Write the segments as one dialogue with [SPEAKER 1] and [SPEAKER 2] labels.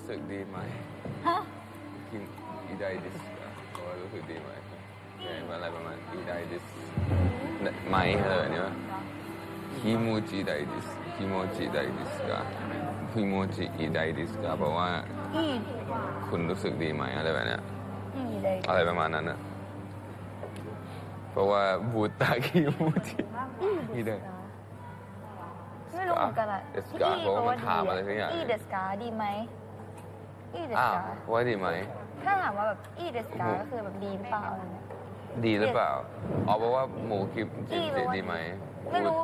[SPEAKER 1] สึกดีไหม
[SPEAKER 2] ฮะ
[SPEAKER 1] คิมอีไดดิสบอกว่ารู้สึกดีไหมอะไรประมาณอีไดดิสไหมเนี่ยคิโมจิไดดิสคิโมจิไดดิสกะคิโมจิอีไดดิสกะเพราะว่า
[SPEAKER 2] อี
[SPEAKER 1] คุณรู้สึกดีไหมอะไรแบบเนี้ย
[SPEAKER 2] เลย
[SPEAKER 1] อะไรประมาณนั้นนะเพราะว่าบูตาคิโมจิอีได
[SPEAKER 2] ไม่รู้เหมือนกันอะ
[SPEAKER 1] เดสกาเพราะว่ามันถามอะไรสักอย่าง
[SPEAKER 2] อีเดสกาดีไหมอีเดส
[SPEAKER 1] อ้าว
[SPEAKER 2] กา
[SPEAKER 1] ว่าดีไหม
[SPEAKER 2] ถ้าถามว่าแบบอีเดสกาก็คือแบบดีหรือเปล่าอะไรเงี้ย
[SPEAKER 1] ดีหรือเปล่าอ๋อเพราะว่าหมูกิมจิมจิดีไหม
[SPEAKER 2] ไม่รู้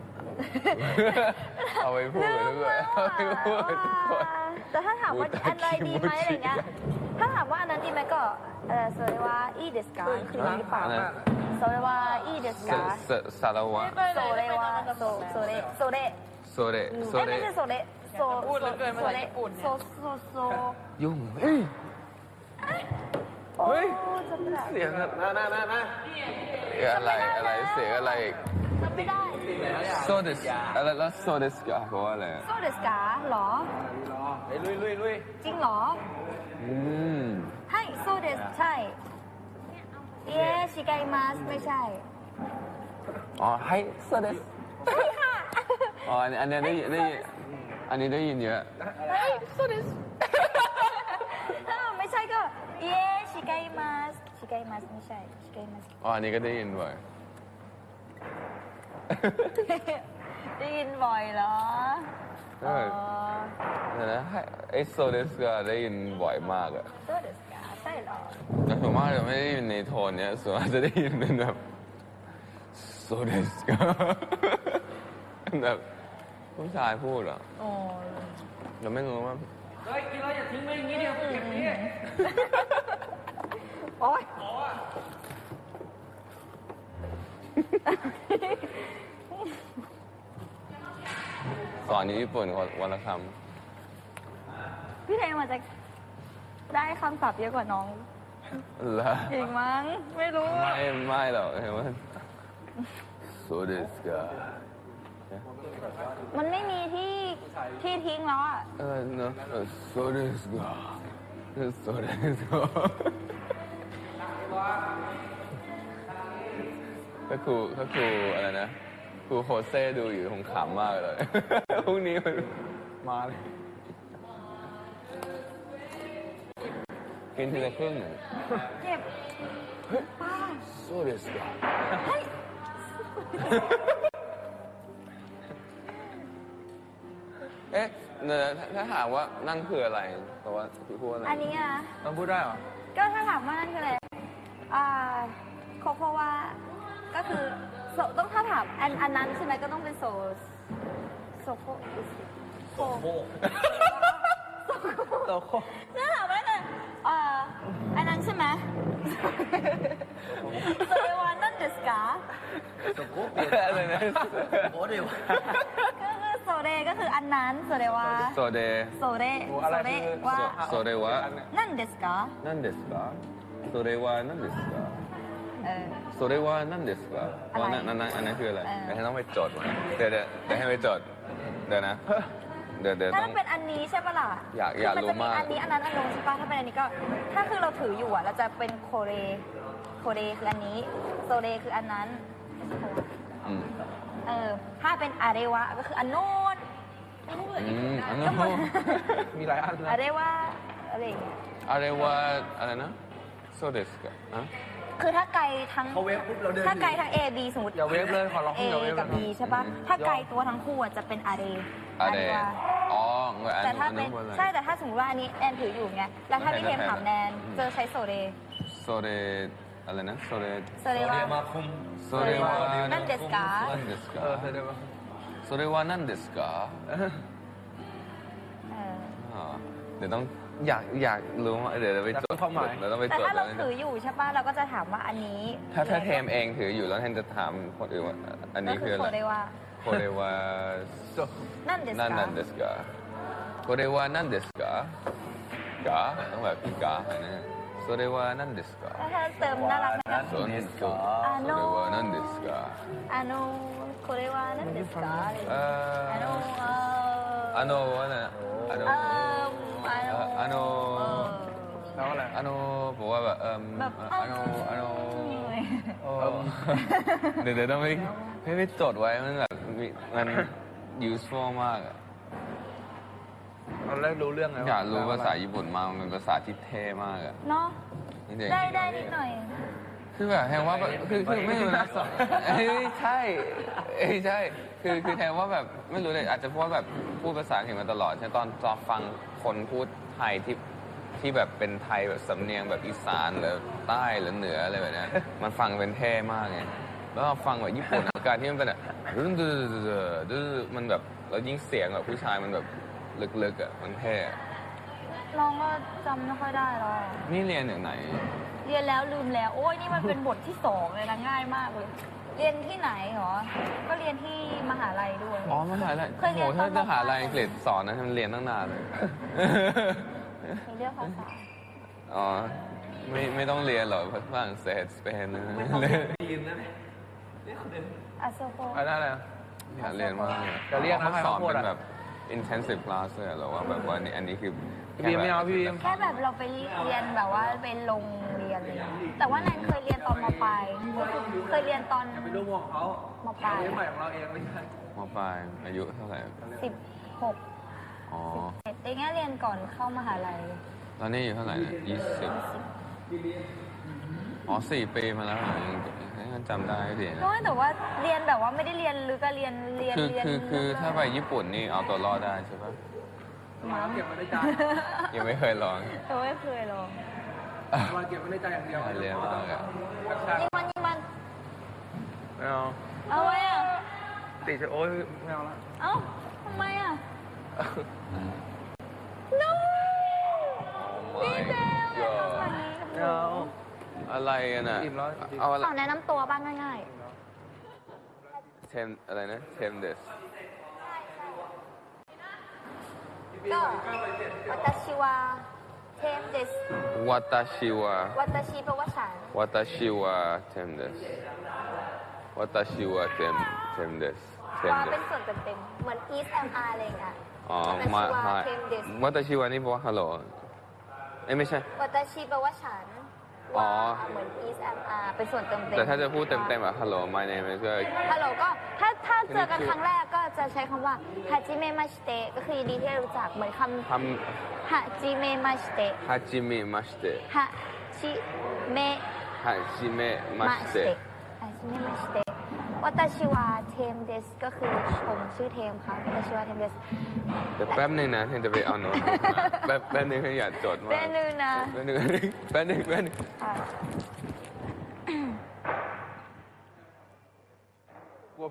[SPEAKER 1] เอาไปพูดกันด้วยเอาไปพูดกันทุกคน
[SPEAKER 2] แต่ถ้าถามว่าอันใดดีไหมอะไรเงี้ยถ้าถามว่าอันนั้นดีไหมก็โซเรวาอีเดสกาคือดีหรือเปล่าโซเรวาอีเดสกา
[SPEAKER 1] สารวะ
[SPEAKER 2] โซเรวาโซเร
[SPEAKER 1] โซเรโซเร
[SPEAKER 2] ไม่ใช่โซเรโซโซเรโซโซ
[SPEAKER 1] ยุ่งเฮ้ย เฮ้ย
[SPEAKER 2] จำไม่ได้
[SPEAKER 1] เสียงอะไรเสียงอะไรอีก
[SPEAKER 2] จำไม่ได้
[SPEAKER 1] โซเดสอะไรแล้วโซเดสกาเพราะว่าอะไร
[SPEAKER 2] โซเดสกาหรอ
[SPEAKER 3] ลุย
[SPEAKER 2] จริงเหรอ
[SPEAKER 1] อืม
[SPEAKER 2] ให้โซเดสใช่เย้ชิไกมัสไม่ใช่
[SPEAKER 1] อ๋อให้โซเดส
[SPEAKER 2] ใช่ค่ะ
[SPEAKER 1] อ๋ออันนี้ได้อันนี้ได้ยินเยอะ
[SPEAKER 2] ให้โซเดสถ้าไม่ใช่ก็เย้ชิไกมัสไม่ใช่ชิไกมัส
[SPEAKER 1] อ๋ออันนี้ก็ได้ยินบ่อย
[SPEAKER 2] ได้ยินบ่อยเหรอ
[SPEAKER 1] เออ เดี๋ยวนะไอโซเดสกาได้ยินบ่อยมากอะ
[SPEAKER 2] โซเดสกาใช่เหรอ
[SPEAKER 1] แต่ส่วนมากจะไม่ได้ยินในโทนเนี้ยส่วนมากจะได้ยินเป็นแบบโซเดสกาแบบผู้ชายพูดอะ
[SPEAKER 2] โอ้
[SPEAKER 1] เราไม่รู้ว่า
[SPEAKER 3] เฮ้ยกินแล้วอย่าทิ้งไว้อย่างนี้เดียวเก็บนี่
[SPEAKER 2] โอ๊ย
[SPEAKER 1] สอนอยู่ญี่ปุ่นวันละค
[SPEAKER 2] พี่เทมันจะได้คำศัพท์เยอะกว่าน้อง
[SPEAKER 1] ำแล้ว
[SPEAKER 2] อีกมั้ง ไม่รู้
[SPEAKER 1] ไม่หรอกเห็นว่าโซเดสกา
[SPEAKER 2] มันไม่มีที่ทิ้งแล้วอ่ะ
[SPEAKER 1] เนอะโซเดสกาโซเดสกาถ้าครูอะไรนะครูโฮเซ่ดูอยู่คงขำมากเลย พรุ่งนี้มันมาเลยกินทีละครึ่ง
[SPEAKER 2] เจ็บป้า
[SPEAKER 1] โซเดสกา
[SPEAKER 2] เฮ้ย
[SPEAKER 1] เอ๊ะถ้าถามว่านั่นคืออะไรเพราะว่าพี่พูดอะไร
[SPEAKER 2] อันนี้อ่ะ
[SPEAKER 3] ต้องพูดได้เหรอ
[SPEAKER 2] ก็ถ้าถามว่านั่นคืออะไรโคโควาก็คือต้องถ้าถามอันนั้นใช่ไหมก็ต้องเป็นโโค
[SPEAKER 3] โตโค
[SPEAKER 2] ถ้าถามว่านั่นอันนั้นใช่ไหมโซเรวานั่นเดสกา
[SPEAKER 3] โตโคเปลี่ยน
[SPEAKER 1] อะไรนะ
[SPEAKER 3] โอ้เดี๋ยว
[SPEAKER 2] ก็คือโซเรก็คืออันนั้นโซเรวา
[SPEAKER 1] โซเด
[SPEAKER 2] โซเรว่า
[SPEAKER 1] โซเดวะ
[SPEAKER 2] นั่นเดสกา
[SPEAKER 1] นั่นเดสกาโซเดวะนั่นเดสกา
[SPEAKER 2] เออ
[SPEAKER 1] โซเดวะนั่นเดสกาเพราะนั่นอันนั้นคืออะไร
[SPEAKER 2] เออ
[SPEAKER 1] เดี๋ยวให้ต้องไปจดมาเดี๋ยวให้ไปจดเดี๋ยวนะเดี๋ยว
[SPEAKER 2] ถ้า
[SPEAKER 1] ต้อง
[SPEAKER 2] เป็นอันนี้ใช่ปะล่ะ
[SPEAKER 1] อยากรู้มาก
[SPEAKER 2] นจะมีอันนี้อันนั้นอันนู้นใช่ปะถ้าเป็นอันนี้ก็ ถ้าคือเราถืออยู่อ่ะเราจะเป็นโคเรคืออันนี้ โซเรคืออันนั้น
[SPEAKER 1] อืม
[SPEAKER 2] ถ้าเป็นอาเรวะก็คืออันโน้น
[SPEAKER 1] อันนั้น
[SPEAKER 3] มีหลายอันนะ
[SPEAKER 2] อาเรวะอะไรอย่างเงี้ย
[SPEAKER 1] อะไรว่าอะไรนะโซเดสกาอ่ะ
[SPEAKER 2] คือถ้าไกลทั้ง
[SPEAKER 3] เขาเวฟปุ๊บเราเดิน
[SPEAKER 2] ถ้าไกลทั้ง A B สมมติ
[SPEAKER 3] อย่าเวฟเลยขอร้อง
[SPEAKER 2] A
[SPEAKER 3] อย่าเวฟ
[SPEAKER 2] กับ B ใช่ปะถ้าไกลตัวทั้งคู่อะจะเป็นอาเร
[SPEAKER 1] อะไร
[SPEAKER 2] วะ
[SPEAKER 1] อ๋อเงินอัน
[SPEAKER 2] แต่ถ้า
[SPEAKER 1] นู้
[SPEAKER 2] เป็น
[SPEAKER 1] นอะไร
[SPEAKER 2] ใช่แต่ถ้าสมมติว่าอันนี้แอนถืออยู่ไงแล้วถ้าพี่เทมถามแนนเจอใช้โซเร
[SPEAKER 1] โซเดอะไรนะโซเด
[SPEAKER 2] โซเรวะ
[SPEAKER 3] มาคุม
[SPEAKER 1] โซเดวะ
[SPEAKER 2] นั่นเดสกา
[SPEAKER 1] นั่นเดสกา
[SPEAKER 3] เดี๋ยวมา
[SPEAKER 1] โซเดวะนั่นเดสกา
[SPEAKER 2] เออ
[SPEAKER 1] เดี๋ยวต้องอยากรู้ว่าเดี๋ยวเราไปจดเราต้องไป
[SPEAKER 2] แต่
[SPEAKER 1] จด
[SPEAKER 2] ถ้าเรา
[SPEAKER 1] แล้ว
[SPEAKER 2] ถืออยู่ใช่ปะเราก็จะถามว่าอันนี้
[SPEAKER 1] ถ้าเทมเองถืออยู่แล้วเทมจะถามคนอื่นว่าอันนี้คือ
[SPEAKER 2] ก็
[SPEAKER 1] อะไร
[SPEAKER 2] โซเรวะ
[SPEAKER 1] โคเรวา
[SPEAKER 2] นั่นเดส
[SPEAKER 1] นั่น
[SPEAKER 2] กา
[SPEAKER 1] นั่นเดสกาโคเรวานั่นเดสกากาต้องแบบพี่กาอะไรนะโซเรวานั่นเดสกา
[SPEAKER 2] ถ้าเติมน่ารักนะ
[SPEAKER 1] โซเรวานั่นเดสกา
[SPEAKER 2] อาโนโคเรวะนั่นเดสกาอะไรอย่าง
[SPEAKER 1] เอ่
[SPEAKER 2] เงี้ย
[SPEAKER 1] อ
[SPEAKER 2] อาโน
[SPEAKER 1] อันโนวะนะอันโน
[SPEAKER 2] เออ
[SPEAKER 1] อาโน
[SPEAKER 3] แล้วอะไร
[SPEAKER 1] อาโนบอกว่าแบบ
[SPEAKER 2] แบบ
[SPEAKER 1] อาโนเดี๋ยวต้องไม่จดไว้มันแบบมัน useful มากอะ
[SPEAKER 3] ตอนแรกรู้เรื่องไง
[SPEAKER 1] อยากรู้ภาษาญี่ปุ่นมากมันเป็นภาษาที่เท่มากอะ
[SPEAKER 2] เนาะ
[SPEAKER 1] จริงๆ
[SPEAKER 2] ได้นิดหน่อย
[SPEAKER 1] คือแบบแทนว่าแบบคือไม่รู้นะใช่ใช่คือแทนว่าแบบไม่รู้เลยอาจจะเพราะว่าแบบพูดภาษาอังกฤษมาตลอดใช่ตอนฟังคนพูดไทยที่แบบเป็นไทยแบบสำเนียงแบบอีสานหรือใต้หรือเหนืออะไรแบบนี้มันฟังเป็นเท่มากไงแล้วเราฟังแบบญี่ปุ่นอาการที่มันเป็นแบบมันแบบแล้วยิ่งเสียงแบบผู้ชายมันแบบลึกๆอ่ะมันเท่
[SPEAKER 2] น้องก็จำไม่ค่อยได้หรอก
[SPEAKER 1] นี่เรียนอย่างไหน
[SPEAKER 2] เรียนแล้วลืมแล้ว โอ้ยนี่มันเป็นบทที่2เลยนะง่ายมากเลย เรียนที่ไหนหรอ ก็เรียนที่มหาลัยด้วย
[SPEAKER 1] อ๋อมหาลัย
[SPEAKER 2] เคยเรียน
[SPEAKER 1] โหถ้า
[SPEAKER 2] ตอน
[SPEAKER 1] จะหาลัยอังกฤษสอนนะมันเรียนตั้งนานเลย
[SPEAKER 2] มีเรื่องภาษา
[SPEAKER 1] อ๋อไม่ต้องเรียนหรอกฝรั่งเศสสเปนนะเรียน
[SPEAKER 3] ยืนนะ
[SPEAKER 2] อาโซโฟ
[SPEAKER 3] อะไรอะไร
[SPEAKER 1] อยากเรียนมากเลย
[SPEAKER 3] จะเรียกนะ
[SPEAKER 1] เขาสอน
[SPEAKER 3] ใครเขาพูด
[SPEAKER 1] เป็น
[SPEAKER 3] อะ
[SPEAKER 1] แบบ intensive class เลยหรอว่าแบบว่าอันนี้คือ
[SPEAKER 3] พี่บีมไม่เอาพี่บีม
[SPEAKER 2] แค่แบบเราไปเรียนแบบว่าไปลงเรียนเลยนะแต่ว่าแนนเคยเรียนตอนมปลายเคยเรียนตอน
[SPEAKER 3] เป็นลูกของเขา
[SPEAKER 2] มปลาย
[SPEAKER 3] เรื่องใหม่ของเราเองไม่ใช่
[SPEAKER 1] มปลายอายุเท่าไหร่
[SPEAKER 2] 16
[SPEAKER 1] อ๋อ
[SPEAKER 2] 17แต่งั้นเรียนก่อนเข้ามหาลัย
[SPEAKER 1] ตอนนี้อยู่เท่าไหร่เนี่ย20อ๋อ4 ปีมาแล้วเหรอยังจำได้ดีนะ
[SPEAKER 2] น้อยแต่ว่าเรียนแบบว่าไม่ได้เรียนลึกก็เรียน
[SPEAKER 1] คือถ้าไปญี่ปุ่นนี่เอาตัวรอดได้ใช่ปะ
[SPEAKER 3] มาเก็บไว้ในใจ
[SPEAKER 1] ยังไม่เคยลอง
[SPEAKER 2] แต่ไม่เคยลอง
[SPEAKER 3] มาเก็บไว้ในใจอย่างเดียว
[SPEAKER 1] เรียนมากอะ
[SPEAKER 2] ยิงมัน
[SPEAKER 3] ไม่เอา
[SPEAKER 2] เอาไว้อะ
[SPEAKER 3] ติดโอ้ยไม่เอาละ
[SPEAKER 2] เอ้าทำไมอะ no พี่เบลอย่าทำแบบนี้กับห
[SPEAKER 3] ไม่
[SPEAKER 2] นู
[SPEAKER 3] เอา
[SPEAKER 1] อะไรกันอ่ะ
[SPEAKER 3] อิ่มแล้ว
[SPEAKER 1] เอาอะไร
[SPEAKER 2] ขอแนะนำตัวบ้างง่าย
[SPEAKER 1] เทมอะไรนะเทมเดส
[SPEAKER 2] ๆก็วัตชิวาเทมเดส
[SPEAKER 1] วัตชิวะ
[SPEAKER 2] วัตชิแปลว่าฉัน
[SPEAKER 1] วัตชิวะเทมเดสวัตชิวะเทมเดสเทม
[SPEAKER 2] ว่า
[SPEAKER 1] เด
[SPEAKER 2] เป็
[SPEAKER 1] ส
[SPEAKER 2] นส่วนเต็มๆเหมือน East MR อะไรอย่างเงี้ย
[SPEAKER 1] อ๋อ
[SPEAKER 2] วัต
[SPEAKER 1] มา
[SPEAKER 2] ชิวา
[SPEAKER 1] มา
[SPEAKER 2] เทมเดส
[SPEAKER 1] วัตชิวะนี่บอกว่าฮัลโหลเอ้ยไม่ใช่
[SPEAKER 2] วัตชิแปลว่าฉัน
[SPEAKER 1] อ๋อ
[SPEAKER 2] ว่าเหมือน East MR เป็นส่วนเต็มๆ
[SPEAKER 1] แต่ถ้าจะพูดเต็มๆอะฮัลโหล my name is ก็
[SPEAKER 2] ฮัลโหลก็ถ้าเจอกันครั้งแรกก็จะใช้คำว่าฮาจิเมะมาชิเตะก็คือยินดีที่ได้รู้จักเหมือนค
[SPEAKER 1] ท
[SPEAKER 2] ำฮาจิเมะมาชิเตะ
[SPEAKER 1] ำฮาจิเมะมาสเตะ
[SPEAKER 2] ฮาจิเมะ
[SPEAKER 1] ฮาจิเมะมา
[SPEAKER 2] มา
[SPEAKER 1] ส
[SPEAKER 2] ชิ
[SPEAKER 1] เตะ
[SPEAKER 2] เตะฮาจิเมะมาชิเตะวัตชิวาเทมเดสก็คือผมชื่อเทมค่ะวัตชิวาเทมเดส
[SPEAKER 1] แต่แป๊บนึงนะที่จะไปเอาโน้ตมาแป๊บนึงให้อยากจดมาก
[SPEAKER 2] เป็นนึงนะ
[SPEAKER 1] แป๊บนึง
[SPEAKER 2] ค่ะ